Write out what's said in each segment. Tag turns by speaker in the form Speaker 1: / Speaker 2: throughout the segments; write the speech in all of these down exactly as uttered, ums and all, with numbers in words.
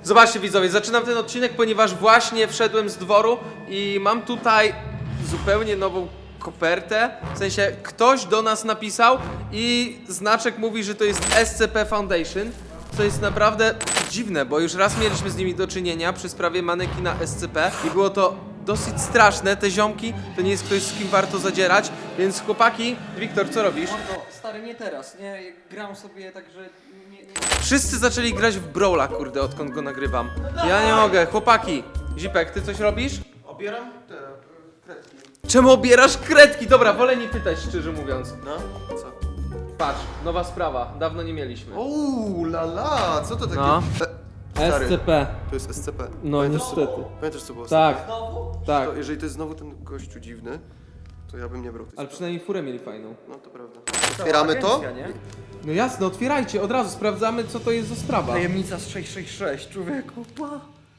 Speaker 1: Zobaczcie widzowie, zaczynam ten odcinek, ponieważ właśnie wszedłem z dworu i mam tutaj zupełnie nową kopertę. W sensie ktoś do nas napisał i znaczek mówi, że to jest S C P Foundation. Co jest naprawdę dziwne, bo już raz mieliśmy z nimi do czynienia przy sprawie manekina S C P i było to dosyć straszne. Te ziomki to nie jest ktoś, z kim warto zadzierać, więc chłopaki, Wiktor, co robisz?
Speaker 2: Mordo, stary, nie teraz, nie, gram sobie tak, że nie, nie...
Speaker 1: Wszyscy zaczęli grać w Brawla, kurde, odkąd go nagrywam. Ja nie mogę, chłopaki. Zipek, ty coś robisz?
Speaker 3: Obieram te y, kredki.
Speaker 1: Czemu obierasz kredki? Dobra, wolę nie pytać, szczerze mówiąc.
Speaker 3: No, co?
Speaker 1: Patrz, nowa sprawa, dawno nie mieliśmy.
Speaker 3: Uuu, la la, co to takie?
Speaker 1: No.
Speaker 3: E, stary,
Speaker 1: S C P.
Speaker 3: to jest S C P.
Speaker 1: No
Speaker 3: Pamiętasz, co-
Speaker 1: niestety.
Speaker 3: Pamiętasz co było?
Speaker 1: Tak,
Speaker 2: Znowu?
Speaker 1: tak.
Speaker 3: To, jeżeli to jest znowu ten gościu dziwny, to ja bym nie brał tej
Speaker 1: Ale
Speaker 3: sprawy.
Speaker 1: przynajmniej furę mieli fajną.
Speaker 3: No to prawda. Otwieramy to?
Speaker 2: Agencja, nie?
Speaker 1: No jasne, otwierajcie, od razu sprawdzamy, co to jest za sprawa.
Speaker 2: Tajemnica z sześć sześć sześć, człowieku, pa.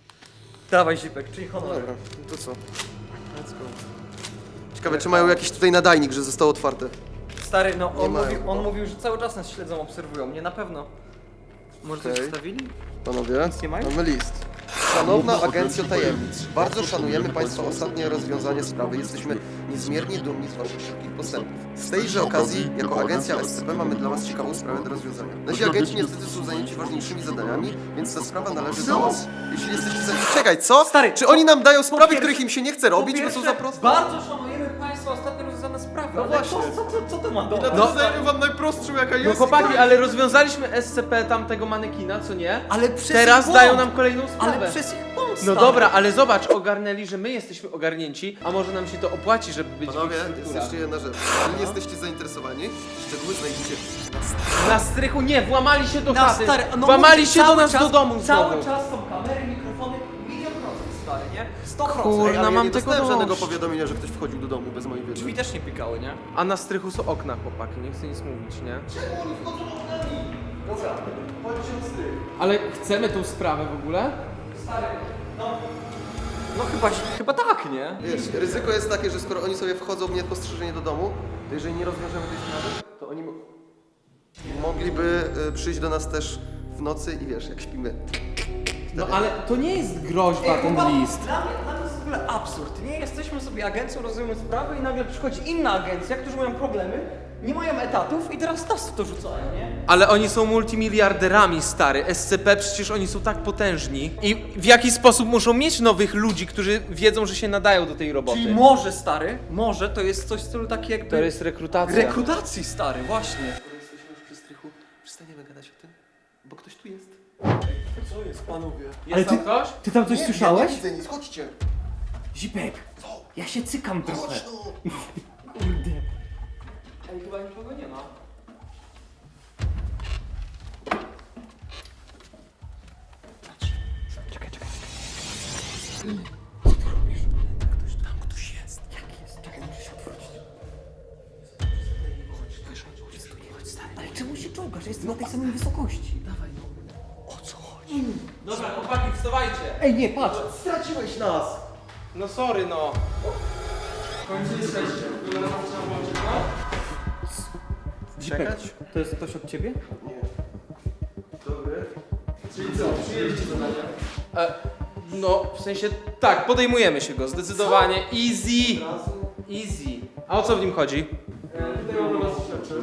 Speaker 2: Dawaj, Zipek, czyli
Speaker 3: No
Speaker 2: honor.
Speaker 3: dobra, no to co? Let's go. Ciekawe, czy mają jakiś tutaj nadajnik, że zostało otwarte.
Speaker 2: Stary, no
Speaker 3: Nie
Speaker 2: on,
Speaker 3: mają
Speaker 2: mówił,
Speaker 3: chyba.
Speaker 2: on mówił, że cały czas nas śledzą, obserwują, mnie na pewno. Może coś
Speaker 3: Okej.
Speaker 2: wstawili?
Speaker 3: Panowie,
Speaker 2: nie mają?
Speaker 3: mamy list. Szanowna Agencja Tajemnic, bardzo szanujemy Państwa ostatnie rozwiązanie sprawy. Jesteśmy niezmiernie dumni z Waszych szybkich postępów. Z tejże okazji, jako Agencja S C P mamy dla Was ciekawą sprawę do rozwiązania. Nasi agenci niestety są zajęci ważniejszymi zadaniami, więc ta sprawa należy do Was. Jeśli jesteście zajęci... Czekaj, co?
Speaker 2: Stary,
Speaker 3: Czy oni nam dają sprawy,
Speaker 2: pierwsze-
Speaker 3: których im się nie chce robić, bo są za proste?
Speaker 2: bardzo szanujemy Państwa ostatnio rozwiązane sprawy,
Speaker 3: No
Speaker 2: ale
Speaker 3: właśnie.
Speaker 2: co, co, co, co to ma do
Speaker 3: No,
Speaker 1: No.
Speaker 3: dajmy Wam najprostszą, jaka
Speaker 1: No
Speaker 3: jest.
Speaker 1: chłopaki, ale rozwiązaliśmy S C P tamtego manekina, co nie?
Speaker 2: Ale przez
Speaker 1: Teraz
Speaker 2: ich
Speaker 1: dają
Speaker 2: błąd.
Speaker 1: nam kolejną sprawę.
Speaker 2: Ale przez ich błąd,
Speaker 1: No
Speaker 2: stary.
Speaker 1: dobra, ale zobacz, ogarnęli, że my jesteśmy ogarnięci, a może nam się to opłaci, żeby być
Speaker 3: Panowie,
Speaker 1: w ich
Speaker 3: jest
Speaker 1: strukturach.
Speaker 3: jeszcze jedna rzecz. Jeżeli jesteście zainteresowani, szczegóły znajdziecie na stronie.
Speaker 1: Na strychu nie, włamali się do
Speaker 2: Na
Speaker 1: chaty.
Speaker 2: stary, no
Speaker 1: włamali
Speaker 2: mówię,
Speaker 1: się do
Speaker 2: cały
Speaker 1: nas
Speaker 2: czas,
Speaker 1: do domu
Speaker 2: Cały
Speaker 1: znowu.
Speaker 2: czas są kamery, mikrofony, milion procent, stary, nie? sto procent.
Speaker 1: Kur-
Speaker 3: Ej, ale
Speaker 1: mam
Speaker 3: ja nie
Speaker 1: tego
Speaker 3: dostałem żadnego
Speaker 1: dość.
Speaker 3: powiadomienia, że ktoś wchodził do domu bez mojej wiedzy.
Speaker 2: Drzwi też nie pikały, nie?
Speaker 1: A na strychu są okna, chłopaki, nie chcę nic mówić, nie?
Speaker 3: Dobra, chodźcie o strych.
Speaker 1: Ale chcemy tą sprawę w ogóle?
Speaker 2: Stary, no... No chyba, chyba tak, nie?
Speaker 3: Wiesz, ryzyko jest takie, że skoro oni sobie wchodzą niepostrzeżenie do domu, to jeżeli nie rozwiążemy tej sprawy, to oni mo- mogliby y, przyjść do nas też w nocy i wiesz, jak śpimy.
Speaker 1: No ale to nie jest groźba, ten
Speaker 2: chłopaki,
Speaker 1: list.
Speaker 2: Dla mnie, dla mnie to jest w ogóle absurd. Nie jesteśmy sobie agencją, rozwiązujemy sprawy i nagle przychodzi inna agencja, którzy mają problemy, nie mają etatów i teraz nas w to rzucają, nie?
Speaker 1: Ale oni są multimiliarderami, stary. S C P, przecież oni są tak potężni. I w jaki sposób muszą mieć nowych ludzi, którzy wiedzą, że się nadają do tej roboty?
Speaker 2: Czyli może, stary, może to jest coś w stylu taki jakby...
Speaker 1: To jest rekrutacja.
Speaker 2: rekrutacji, stary, właśnie.
Speaker 3: Skoro jesteśmy już przy strychu, przestaniemy gadać o tym, bo ktoś tu jest.
Speaker 2: Co jest, panowie?
Speaker 1: Jest tam ktoś?
Speaker 2: Ty tam coś
Speaker 3: Nie,
Speaker 2: słyszałeś?
Speaker 3: Ja nie widzę nic, chodźcie.
Speaker 2: Zipek, ja się cykam trochę.
Speaker 3: Chodź no.
Speaker 2: Kurde.
Speaker 1: Ej, chyba nikogo nie ma.
Speaker 2: Czekaj, czekaj.
Speaker 3: Tam ktoś jest.
Speaker 2: Jak jest? Czekaj, muszę się odwrócić. Ale czemu się czołgasz? Ja jestem na tej samej wysokości. Dawaj, no.
Speaker 3: O co chodzi?
Speaker 1: Dobra, chłopaki, wstawajcie.
Speaker 2: Ej, nie, patrz.
Speaker 3: Straciłeś nas!
Speaker 1: No sorry, no. W końcu jesteście.
Speaker 2: Zipek,
Speaker 3: Czekać?
Speaker 2: to jest ktoś od ciebie?
Speaker 3: Nie. Dobry.
Speaker 1: Czyli co, przyjęliście zadanie? E, no, w sensie, tak, podejmujemy się go, zdecydowanie. Easy. Easy. A o co w nim chodzi? E, tutaj mam dla was rzeczy.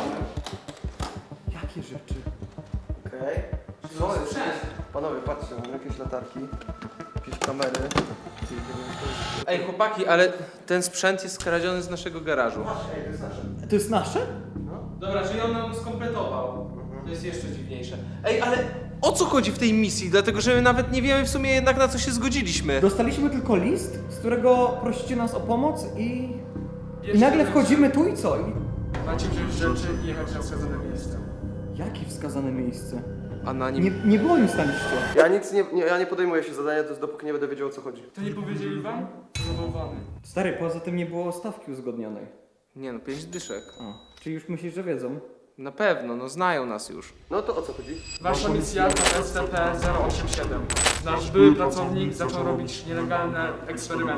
Speaker 2: Jakie rzeczy?
Speaker 3: Okej. Co jest? Panowie, patrzcie, mam jakieś latarki, jakieś kamery.
Speaker 1: Ej, chłopaki, ale ten sprzęt jest skradziony z naszego garażu.
Speaker 3: Ej, to jest nasze.
Speaker 2: To jest nasze?
Speaker 1: Dobra, czyli on nam skompletował. To jest jeszcze dziwniejsze. Ej, ale o co chodzi w tej misji? Dlatego, że my nawet nie wiemy w sumie jednak, na co się zgodziliśmy.
Speaker 2: Dostaliśmy tylko list, z którego prosicie nas o pomoc i... I nagle wchodzimy tu i co? I...
Speaker 4: Macie wziąć rzeczy i jechać na wskazane miejsce.
Speaker 2: Jakie wskazane miejsce?
Speaker 1: A na nim...
Speaker 2: Nie, nie było nic na liście.
Speaker 3: Ja nic nie, nie, ja nie podejmuję się zadania, to jest dopóki nie będę wiedział, o co chodzi.
Speaker 4: To nie powiedzieli wam? Zabałwany.
Speaker 2: Stary, poza tym nie było stawki uzgodnionej.
Speaker 1: Nie no, pięć dyszek.
Speaker 2: A, czyli już myślisz, że wiedzą?
Speaker 1: Na pewno, no znają nas już.
Speaker 3: No to o co chodzi?
Speaker 4: Wasza misja to S C P zero osiem siedem. Nasz były pracownik zaczął robić nielegalne eksperymenty.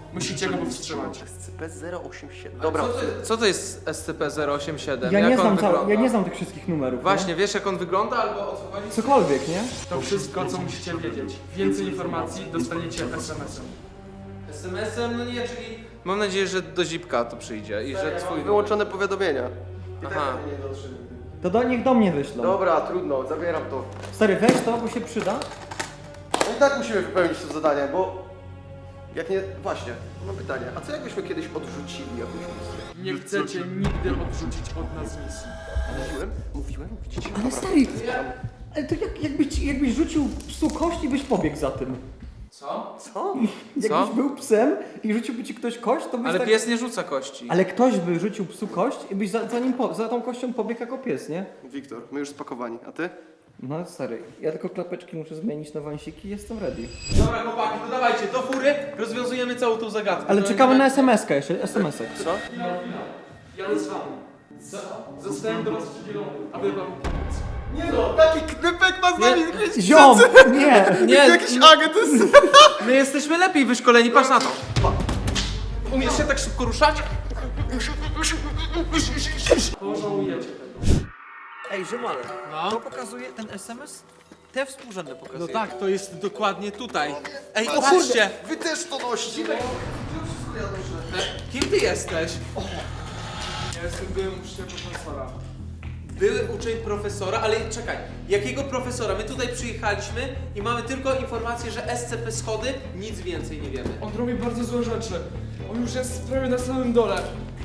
Speaker 4: Musicie go powstrzymać.
Speaker 3: S C P zero osiem siedem.
Speaker 1: Dobra,
Speaker 3: Dobra,
Speaker 1: co to, co to jest S C P zero osiem siedem?
Speaker 2: Ja
Speaker 1: Jak
Speaker 2: nie,
Speaker 1: on
Speaker 2: znam
Speaker 1: wygląda?
Speaker 2: cał- ja nie znam tych wszystkich numerów.
Speaker 1: Właśnie, wiesz jak on wygląda albo o co chodzi?
Speaker 2: Nie? Cokolwiek, nie?
Speaker 4: To wszystko, co musicie wiedzieć. Więcej informacji dostaniecie es em esem.
Speaker 1: S M S-em? No nie, czyli mam nadzieję, że do zipka to przyjdzie i że twój...
Speaker 3: wyłączone powiadomienia.
Speaker 1: Aha.
Speaker 2: To do nich do mnie wyślą.
Speaker 3: Dobra, trudno, zabieram to.
Speaker 2: Stary, weź to, bo się przyda.
Speaker 3: No i tak musimy wypełnić to zadanie, bo... Jak nie... Właśnie, mam pytanie. A co jakbyśmy kiedyś odrzucili jakąś misję?
Speaker 4: Nie chcecie nigdy odrzucić od nas misji.
Speaker 3: Mówiłem? Mówiłem? Widzicie?
Speaker 2: Ale stary, ale to jak, jakbyś, jakbyś rzucił psu kość i byś pobiegł za tym.
Speaker 1: Co?
Speaker 3: Co?
Speaker 2: Jakbyś był psem i rzuciłby ci ktoś kość, to byś
Speaker 1: Ale
Speaker 2: tak...
Speaker 1: pies nie rzuca kości.
Speaker 2: Ale ktoś by rzucił psu kość i byś za, za nim po, za tą kością pobiegł jako pies, nie?
Speaker 3: Wiktor, my już spakowani, a ty?
Speaker 2: No stary, ja tylko klapeczki muszę zmienić na wąsiki i jestem ready.
Speaker 1: Dobra chłopaki, to dawajcie, do fury, rozwiązujemy całą tą zagadkę.
Speaker 2: Ale
Speaker 1: To
Speaker 2: czekamy
Speaker 1: będzie-
Speaker 2: na es em eskę jeszcze, es em esek.
Speaker 3: Co?
Speaker 4: Chwila, chwila. Jadę z wami. Co? Zostałem do was przydzielony, aby wam pomóc.
Speaker 3: Nie no, taki knypek ma z nami
Speaker 1: Nie.
Speaker 2: Ziom! Nie!
Speaker 1: Nie,
Speaker 3: Jakiś agent jest...
Speaker 1: my jesteśmy lepiej wyszkoleni, patrz na to. Umiesz się tak szybko ruszać?
Speaker 4: Pożałujecie tego.
Speaker 2: Ej, ziomale,
Speaker 1: No.
Speaker 2: to pokazuje ten es em es? Te współrzędne pokazuje.
Speaker 1: No tak, to jest dokładnie tutaj. Ej,
Speaker 3: O
Speaker 1: patrzcie!
Speaker 3: Wy też to noście!
Speaker 1: Kim ty jesteś?
Speaker 4: Ja jestem byłym uczniem profesora.
Speaker 1: Były uczeń profesora, ale czekaj, jakiego profesora? My tutaj przyjechaliśmy i mamy tylko informację, że S C P schody, nic więcej nie wiemy.
Speaker 4: On robi bardzo złe rzeczy. On już jest prawie na samym dole.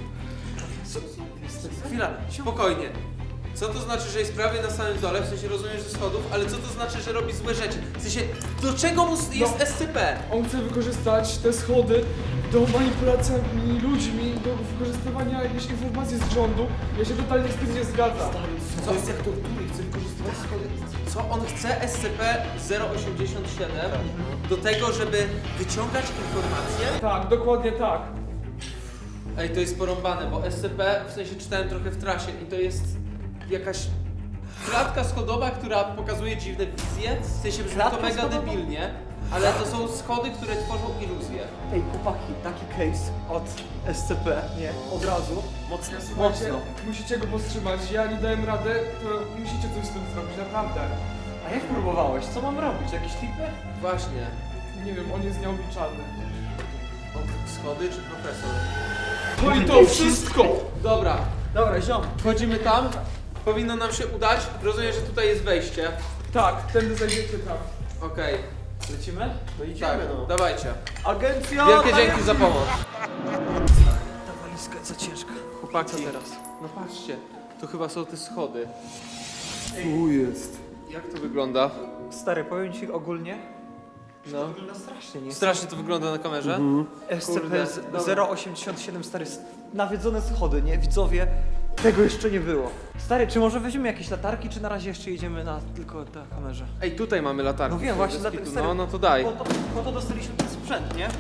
Speaker 1: Chwila, spokojnie. Co to znaczy, że jest prawie na samym dole, w sensie rozumiesz ze schodów, ale co to znaczy, że robi złe rzeczy? W sensie, do czego mu s- jest S C P?
Speaker 4: On chce wykorzystać te schody do manipulacji ludźmi, do wykorzystywania jakichś informacji z rządu. Ja się totalnie z tym nie zgadzam.
Speaker 1: Co jest jak tortury, chce wykorzystywać schody? Co on chce S C P zero osiemdziesiąt siedem do tego, żeby wyciągać informacje?
Speaker 4: Tak, dokładnie tak.
Speaker 1: Ej, to jest porąbane, bo S C P, w sensie czytałem trochę w trasie i to jest jakaś klatka schodowa, która pokazuje dziwne wizje. W sensie brzmi to
Speaker 2: Klatka
Speaker 1: mega
Speaker 2: schodowa?
Speaker 1: debilnie, ale to są schody, które tworzą iluzję.
Speaker 2: Ej, chłopaki, taki case od es ce pe, nie, od razu.
Speaker 4: Mocno.
Speaker 2: Mocno.
Speaker 4: Musicie go powstrzymać. Ja nie dałem rady, to musicie coś z tym zrobić, naprawdę.
Speaker 2: A jak próbowałeś? Co mam robić? Jakieś tipy?
Speaker 1: Właśnie.
Speaker 4: Nie wiem, on jest nieobliczalny.
Speaker 1: Schody czy profesor?
Speaker 4: No i to wszystko!
Speaker 1: Dobra,
Speaker 2: Dobra, ziom.
Speaker 1: wchodzimy tam. Powinno nam się udać. Rozumiem, że tutaj jest wejście.
Speaker 4: Tak, tędy zajdziecie tam.
Speaker 1: Okej,
Speaker 2: Lecimy? No
Speaker 1: tak, dawajcie.
Speaker 2: Agencja!
Speaker 1: Wielkie dzięki za pomoc.
Speaker 2: Ta walizka jest za ciężka.
Speaker 1: Chłopaki,
Speaker 2: Co teraz?
Speaker 1: no patrzcie, to chyba są te schody.
Speaker 3: Tu jest.
Speaker 1: Jak to wygląda?
Speaker 2: Stary, powiem ci ogólnie,
Speaker 1: No.
Speaker 2: wygląda strasznie, nie?
Speaker 1: Strasznie to wygląda na kamerze.
Speaker 2: es ce
Speaker 1: Kurde,
Speaker 2: pe
Speaker 1: dobra.
Speaker 2: zero osiemdziesiąt siedem, stary, s- nawiedzone schody, nie? Widzowie, tego jeszcze nie było. Stary, czy może weźmiemy jakieś latarki, czy na razie jeszcze jedziemy na tylko na kamerze?
Speaker 1: Ej, tutaj mamy latarkę.
Speaker 2: No wiem, właśnie,
Speaker 1: Bez
Speaker 2: dlatego,
Speaker 1: kitu.
Speaker 2: stary,
Speaker 1: No, no to daj.
Speaker 2: Po to, po to dostaliśmy ten sprzęt, nie?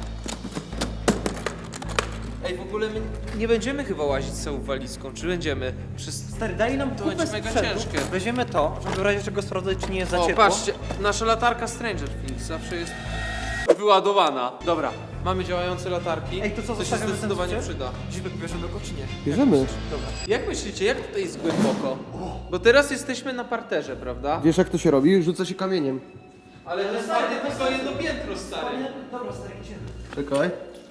Speaker 1: Ej, w ogóle my nie będziemy chyba łazić z całą walizką, czy będziemy? Przez...
Speaker 2: Stary, daj nam
Speaker 1: To
Speaker 2: kupę
Speaker 1: będzie mega
Speaker 2: sprzętu.
Speaker 1: ciężkie.
Speaker 2: Weźmiemy to, żeby w razie czego sprawdzać, czy nie jest za
Speaker 1: O,
Speaker 2: ciepło.
Speaker 1: patrzcie, nasza latarka Stranger Things zawsze jest wyładowana. Dobra, mamy działające latarki.
Speaker 2: Ej, to co,
Speaker 1: to się
Speaker 2: zostawiamy ten
Speaker 1: zdecydowanie
Speaker 2: sprzęt?
Speaker 1: przyda.
Speaker 2: Zibek, bierzemy go, czy nie?
Speaker 3: Bierzemy.
Speaker 2: Dobra.
Speaker 1: Jak myślicie, jak tutaj jest głęboko? Bo teraz jesteśmy na parterze, prawda?
Speaker 3: Wiesz jak to się robi? Rzuca się kamieniem.
Speaker 1: Ale to jest ładnie tylko jedno piętro, stary.
Speaker 2: Dobra, stary, idziemy.
Speaker 3: Czekaj.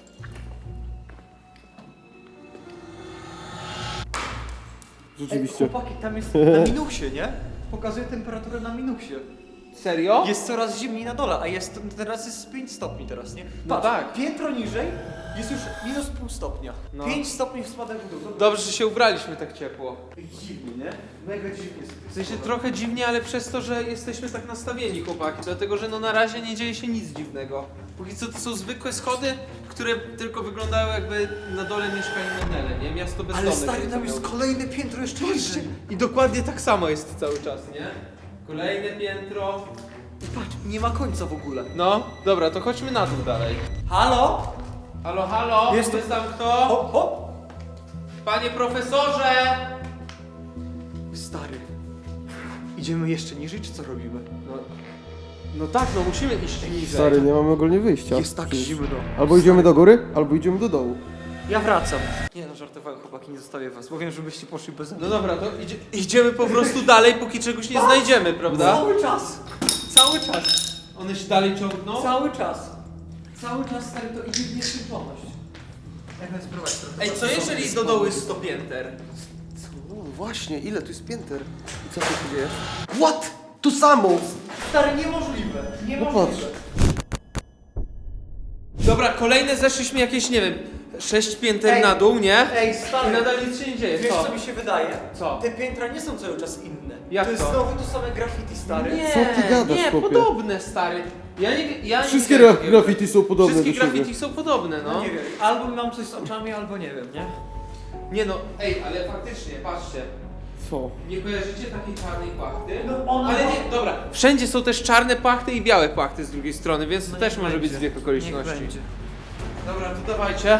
Speaker 2: Ej,
Speaker 3: Rzeczywiście.
Speaker 2: chłopaki, tam jest na minusie, nie? Pokazuje temperaturę na minusie.
Speaker 1: Serio?
Speaker 2: Jest coraz zimniej na dole, a jest teraz jest pięć stopni teraz, nie?
Speaker 1: No
Speaker 2: Patrz,
Speaker 1: tak.
Speaker 2: piętro niżej jest już minus pół stopnia.
Speaker 1: No.
Speaker 2: pięć stopni w spadek w dół. Dobra.
Speaker 1: Dobrze, że się ubraliśmy tak ciepło.
Speaker 2: Dziwnie, nie? Mega dziwnie jest.
Speaker 1: W sensie trochę dziwnie, ale przez to, że jesteśmy tak nastawieni, chłopaki, dlatego że no na razie nie dzieje się nic dziwnego. Póki co to są zwykłe schody, które tylko wyglądają jakby na dole mieszkali Menele, nie? Miasto bezdomnych.
Speaker 2: Ale stary,
Speaker 1: nie?
Speaker 2: tam
Speaker 1: To
Speaker 2: jest
Speaker 1: miało-
Speaker 2: kolejne piętro jeszcze niżej.
Speaker 1: I dokładnie tak samo jest cały czas, nie? Kolejne piętro.
Speaker 2: Patrz, nie ma końca w ogóle.
Speaker 1: No, dobra, to chodźmy na dół dalej.
Speaker 2: Halo?
Speaker 1: Halo, halo,
Speaker 2: Jest-
Speaker 1: jest tam kto?
Speaker 2: Hop, hop.
Speaker 1: Panie profesorze!
Speaker 2: Stary. Idziemy jeszcze niżej, czy co robimy?
Speaker 1: No, No tak, no musimy iść niżej.
Speaker 3: Stary, nie mamy ogólnie wyjścia.
Speaker 2: Jest tak zimno.
Speaker 3: Albo idziemy do góry, albo idziemy do dołu.
Speaker 2: Ja wracam. Nie no, żartowałem, chłopaki, nie zostawię was, bo wiem, żebyście poszli bez mnie.
Speaker 1: No dobra, to idzie, idziemy po prostu dalej, póki czegoś nie znajdziemy, prawda?
Speaker 2: Cały czas! Cały czas!
Speaker 1: One się dalej ciągną?
Speaker 2: Cały czas! Cały czas, stary, to idzie w nieskończoność. Jak nas prowadzi?
Speaker 1: Ej, co jeżeli do dołu jest sto pięter?
Speaker 3: O, właśnie, ile tu jest pięter? I co tu się dzieje? What? Tu samo!
Speaker 2: Stary, niemożliwe!
Speaker 3: No
Speaker 2: Niemożliwe!
Speaker 3: patrz.
Speaker 1: Dobra, kolejne zeszliśmy jakieś, nie wiem, sześć pięter
Speaker 2: Ej,
Speaker 1: na dół, nie?
Speaker 2: Ej,
Speaker 1: I
Speaker 2: stary!
Speaker 1: nadal nic się nie dzieje,
Speaker 2: Wiesz
Speaker 1: co?
Speaker 2: co mi się wydaje?
Speaker 1: Co?
Speaker 2: Te piętra nie są cały czas inne.
Speaker 1: Jak
Speaker 2: to jest
Speaker 1: to?
Speaker 2: znowu to same graffiti, stary.
Speaker 1: Nie,
Speaker 3: Co ty gadasz,
Speaker 1: nie,
Speaker 3: chłopie?
Speaker 1: podobne, stary. Ja nie, ja
Speaker 3: Wszystkie
Speaker 1: nie wiem,
Speaker 3: gra-
Speaker 1: takiego.
Speaker 3: graffiti są podobne
Speaker 1: Wszystkie
Speaker 3: do siebie.
Speaker 1: graffiti są podobne, no.
Speaker 2: No nie wiem, albo mam coś z oczami, albo nie wiem, nie?
Speaker 1: Nie no, ej, ale faktycznie, patrzcie.
Speaker 3: Co?
Speaker 1: Nie kojarzycie takiej czarnej płachty?
Speaker 2: No ona
Speaker 1: Ale
Speaker 2: ma-
Speaker 1: nie, dobra. Wszędzie są też czarne płachty i białe płachty z drugiej strony, więc to
Speaker 2: No
Speaker 1: też
Speaker 2: niech
Speaker 1: może być
Speaker 2: będzie.
Speaker 1: zbieg okoliczności.
Speaker 2: Niech będzie.
Speaker 1: Dobra, to dawajcie.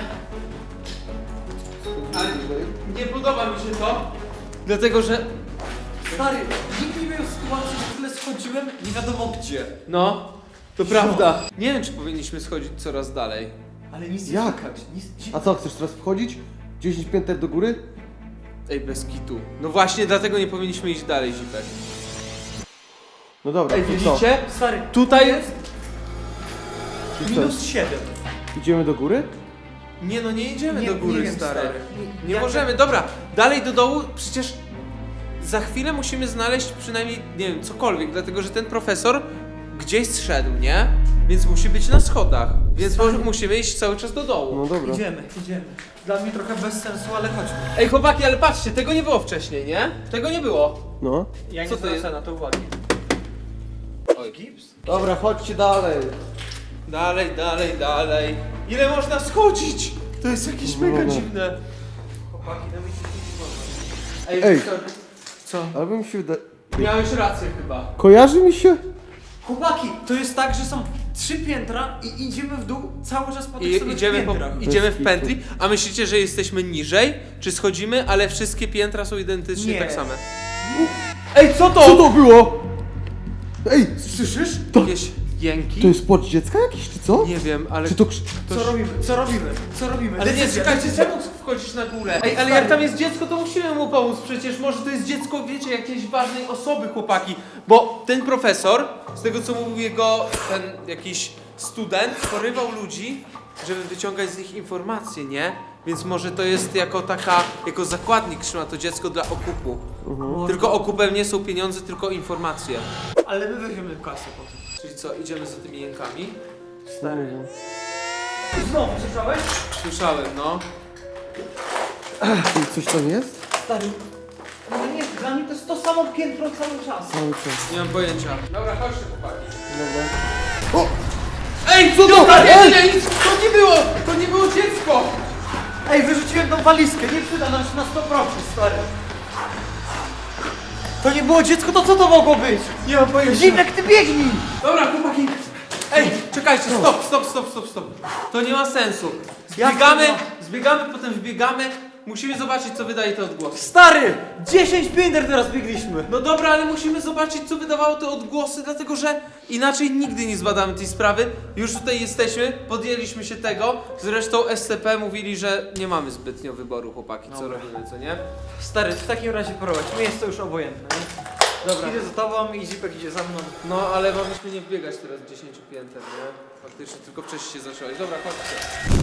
Speaker 1: Ale nie podoba mi się to, dlatego że...
Speaker 2: Stary, nikt nie miał sytuacji, że tyle schodziłem, nie wiadomo gdzie.
Speaker 1: No, to prawda. Nie wiem, czy powinniśmy schodzić coraz dalej.
Speaker 2: Ale nic nie
Speaker 3: Jak?
Speaker 2: słychać. Nic,
Speaker 3: A co, chcesz teraz wchodzić? dziesięć pięter do góry?
Speaker 1: Ej, bez kitu. No właśnie, dlatego nie powinniśmy iść dalej, Zipek.
Speaker 3: No dobra,
Speaker 1: Ej,
Speaker 3: to co?
Speaker 1: widzicie?
Speaker 2: Stary,
Speaker 1: Tutaj jest...
Speaker 3: Czy co?
Speaker 2: minus siedem.
Speaker 3: Idziemy do góry?
Speaker 1: Nie no, nie idziemy
Speaker 2: Nie-
Speaker 1: do góry,
Speaker 2: nie wiem,
Speaker 1: stary.
Speaker 2: stary.
Speaker 1: Nie
Speaker 2: Jak-
Speaker 1: możemy, dobra, dalej do dołu, przecież za chwilę musimy znaleźć przynajmniej, nie wiem, cokolwiek, dlatego że ten profesor gdzieś zszedł, nie? Więc musi być na schodach, więc może musimy iść cały czas do dołu.
Speaker 3: No dobra.
Speaker 2: Idziemy, idziemy. Dla mnie trochę bez sensu, ale chodźmy.
Speaker 1: Ej chłopaki, ale patrzcie, tego nie było wcześniej, nie? Tego nie było.
Speaker 3: No.
Speaker 2: Ja nie
Speaker 1: Co to
Speaker 2: zwracam
Speaker 1: jest?
Speaker 2: na to uwagi.
Speaker 1: Oj, gips.
Speaker 3: Dobra, chodźcie dalej.
Speaker 1: Dalej, dalej, dalej. Ile można schodzić? To jest jakieś mega
Speaker 3: No, no.
Speaker 1: dziwne.
Speaker 2: Chłopaki, no mi się nie wolno.
Speaker 1: Ej,
Speaker 3: Ej.
Speaker 1: Wiktor, co?
Speaker 3: Ale mi się wydaje...
Speaker 1: Miałeś rację chyba.
Speaker 3: Kojarzy mi się?
Speaker 2: Chłopaki, to jest tak, że są trzy piętra i idziemy w dół cały czas po tych
Speaker 1: I
Speaker 2: samych
Speaker 1: idziemy, po,
Speaker 2: piętrach.
Speaker 1: idziemy w
Speaker 3: kitu.
Speaker 1: pętli, a myślicie, że jesteśmy niżej? Czy schodzimy, ale wszystkie piętra są identycznie
Speaker 2: Nie.
Speaker 1: tak same? Ej, co to?
Speaker 3: Co to było? Ej,
Speaker 1: Słyszysz?
Speaker 3: To-
Speaker 1: Jakieś jęki?
Speaker 3: to jest płacz dziecka jakiś, czy co?
Speaker 1: Nie wiem, ale...
Speaker 3: Czy to krz...
Speaker 2: Co robimy? Co robimy? Co robimy?
Speaker 1: Ale nie,
Speaker 2: Decyzja,
Speaker 1: czekajcie,
Speaker 2: decyzja.
Speaker 1: czemu wchodzisz na górę? Ej, ale jak tam jest dziecko, to musimy mu pomóc przecież. Może to jest dziecko, wiecie, jakiejś ważnej osoby, chłopaki. Bo ten profesor, z tego co mówił jego ten jakiś student, porywał ludzi, żeby wyciągać z nich informacje, nie? Więc może to jest jako taka, jako zakładnik trzyma to dziecko dla okupu. Tylko okupem nie są pieniądze, tylko informacje.
Speaker 2: Ale my weźmiemy kasę potem.
Speaker 1: Czyli co, idziemy za tymi jękami?
Speaker 2: Stary. Znowu, słyszałeś?
Speaker 1: Słyszałem, no.
Speaker 3: Coś tam jest?
Speaker 2: Stary. No nie, dla mnie to jest to samo piętro cały czas.
Speaker 3: Cały czas.
Speaker 1: Nie mam pojęcia. Dobra, chodźcie, chłopaki.
Speaker 3: Dobra. O!
Speaker 1: Ej, co to? Nie, nie, nic, to nie było! To nie było dziecko!
Speaker 2: Ej, wyrzuciłem tą walizkę, nie przyda nam się na sto procent, stary. To nie było dziecko, to co to mogło być?
Speaker 1: Nie mam pojęcia.
Speaker 2: Zimnek, ty biegnij!
Speaker 1: Dobra, chłopaki. Ej, czekajcie, stop, stop, stop, stop, stop. To nie ma sensu.
Speaker 2: Jak
Speaker 1: Zbiegamy,
Speaker 2: to
Speaker 1: zbiegamy, potem wbiegamy. Musimy zobaczyć, co wydaje te odgłosy.
Speaker 2: Stary! dziesięć pięter teraz biegliśmy.
Speaker 1: No dobra, ale musimy zobaczyć, co wydawało te odgłosy, dlatego że inaczej nigdy nie zbadamy tej sprawy. Już tutaj jesteśmy, podjęliśmy się tego. Zresztą S C P mówili, że nie mamy zbytnio wyboru, chłopaki, co
Speaker 2: Dobra.
Speaker 1: robimy, co nie?
Speaker 2: Stary, w takim razie prowadź, mi jest to już obojętne, nie?
Speaker 1: Dobra.
Speaker 2: Idę za tobą i Zipek idzie za mną.
Speaker 1: No, ale mogliśmy nie wbiegać teraz dziesięć pięter, nie? Faktycznie, tylko wcześniej się zacząłeś. Dobra, chodźcie.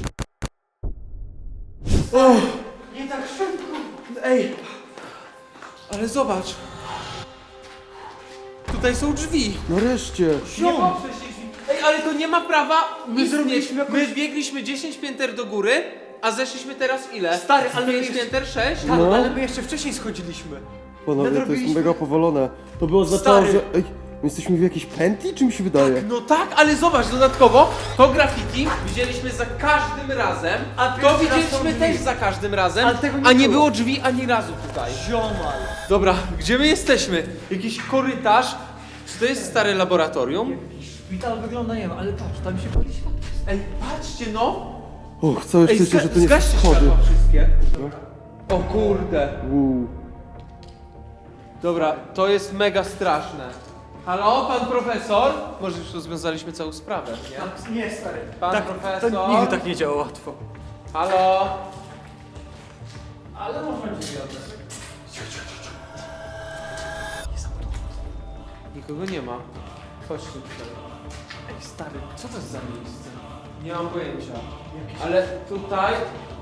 Speaker 2: Nie tak szybko.
Speaker 1: Ej, ale zobacz. Tutaj są drzwi.
Speaker 3: Nareszcie.
Speaker 1: Nie ma wcześniej drzwi. Ej, ale to nie ma prawa
Speaker 2: My
Speaker 1: istnieć.
Speaker 2: zrobiliśmy jakąś-
Speaker 1: My biegliśmy dziesięć pięter do góry, a zeszliśmy teraz ile?
Speaker 2: Stary, ale my
Speaker 1: pięć
Speaker 2: jeszcze-
Speaker 1: pięter, sześć?
Speaker 2: Tak,
Speaker 3: No.
Speaker 2: ale my jeszcze wcześniej schodziliśmy.
Speaker 3: Panowie, to jest
Speaker 2: Nadrobiliśmy.
Speaker 3: mega powolone. To by oznaczało,
Speaker 1: Stary.
Speaker 3: że... Ej, my jesteśmy w jakiejś pętli, czy mi się wydaje?
Speaker 1: No tak, ale zobacz, dodatkowo to graffiti widzieliśmy za każdym razem,
Speaker 2: A
Speaker 1: to
Speaker 2: pierwszy raz są
Speaker 1: widzieliśmy
Speaker 2: drzwi.
Speaker 1: też za każdym razem,
Speaker 2: Ale tego nie
Speaker 1: a nie
Speaker 2: było.
Speaker 1: było drzwi ani razu tutaj.
Speaker 2: Ziomal.
Speaker 1: Dobra, gdzie my jesteśmy? Jakiś korytarz? Czy to jest stare laboratorium?
Speaker 2: Szpital wygląda, nie wiem, ale patrz, tam się pali światło.
Speaker 1: Ej, patrzcie no!
Speaker 3: Och, całe
Speaker 1: Ej,
Speaker 3: szczęście,
Speaker 1: zga-
Speaker 3: że to nie są
Speaker 1: zgaście
Speaker 3: schody.
Speaker 1: światła wszystkie. O kurde.
Speaker 3: Uuu.
Speaker 1: Dobra, to jest mega straszne. Halo, pan profesor? Może już rozwiązaliśmy całą sprawę, nie?
Speaker 2: Nie, stary.
Speaker 1: Pan
Speaker 2: tak,
Speaker 1: profesor?
Speaker 2: To nigdy tak nie działa łatwo.
Speaker 1: Halo?
Speaker 2: Ale można drzwi oddać.
Speaker 1: Nikogo nie ma. Chodź tu tutaj. Ej, stary, co to jest za miejsce? Nie mam pojęcia. Ale tutaj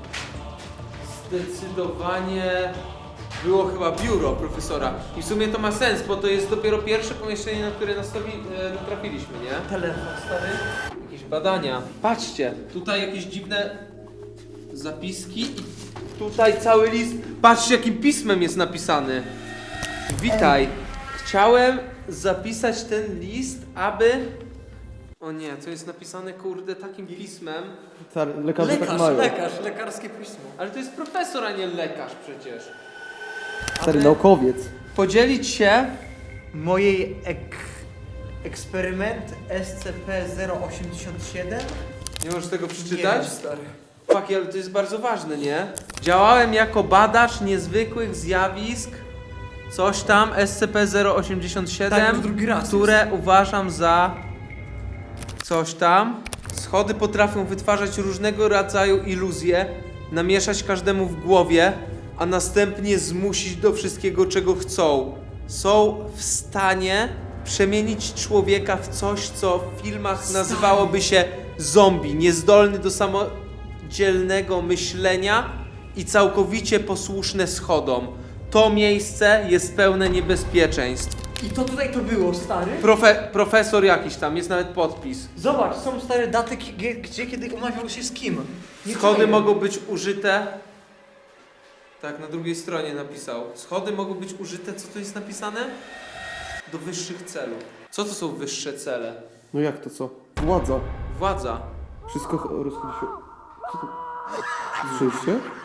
Speaker 1: zdecydowanie było chyba biuro profesora. I w sumie to ma sens, bo to jest dopiero pierwsze pomieszczenie, na które nastawi, e, natrafiliśmy, nie?
Speaker 2: Telefon, stary.
Speaker 1: Jakieś badania. Patrzcie, tutaj jakieś dziwne zapiski i tutaj cały list. Patrzcie, jakim pismem jest napisany. Witaj. Chciałem zapisać ten list, aby... O nie, co jest napisane, kurde, takim pismem.
Speaker 4: Stary, lekarze tak
Speaker 2: Lekarz,
Speaker 4: mają.
Speaker 2: lekarz, lekarskie pismo.
Speaker 1: Ale to jest profesor, a nie lekarz przecież.
Speaker 4: Stary,
Speaker 1: Aby
Speaker 4: naukowiec.
Speaker 1: podzielić się...
Speaker 2: Mojej ek... eksperyment S C P zero osiemdziesiąt siedem?
Speaker 1: Nie możesz tego
Speaker 2: Nie
Speaker 1: przeczytać?
Speaker 2: wiem, stary.
Speaker 1: Fuck, ale to jest bardzo ważne, nie? Działałem jako badacz niezwykłych zjawisk, coś tam, S C P zero osiemdziesiąt siedem,
Speaker 2: Tak, już drugi raz
Speaker 1: które uważam za coś tam. Schody potrafią wytwarzać różnego rodzaju iluzje, namieszać każdemu w głowie, a następnie zmusić do wszystkiego, czego chcą. Są w stanie przemienić człowieka w coś, co w filmach nazywałoby się zombie, niezdolny do samodzielnego myślenia i całkowicie posłuszne schodom. To miejsce jest pełne niebezpieczeństw.
Speaker 2: I to tutaj to było, stary?
Speaker 1: Profe profesor jakiś tam, jest nawet podpis.
Speaker 2: Zobacz, są stare daty, gdzie, gdzie kiedy umawiał się z kim. Nie
Speaker 1: Schody
Speaker 2: czaję.
Speaker 1: mogą być użyte. Tak, na drugiej stronie napisał. Schody mogą być użyte, co tu jest napisane? Do wyższych celów. Co to są wyższe cele?
Speaker 4: No jak to co? Władza.
Speaker 1: Władza.
Speaker 4: Wszystko ch- rozchodzi się... Co to? Słyszeliście?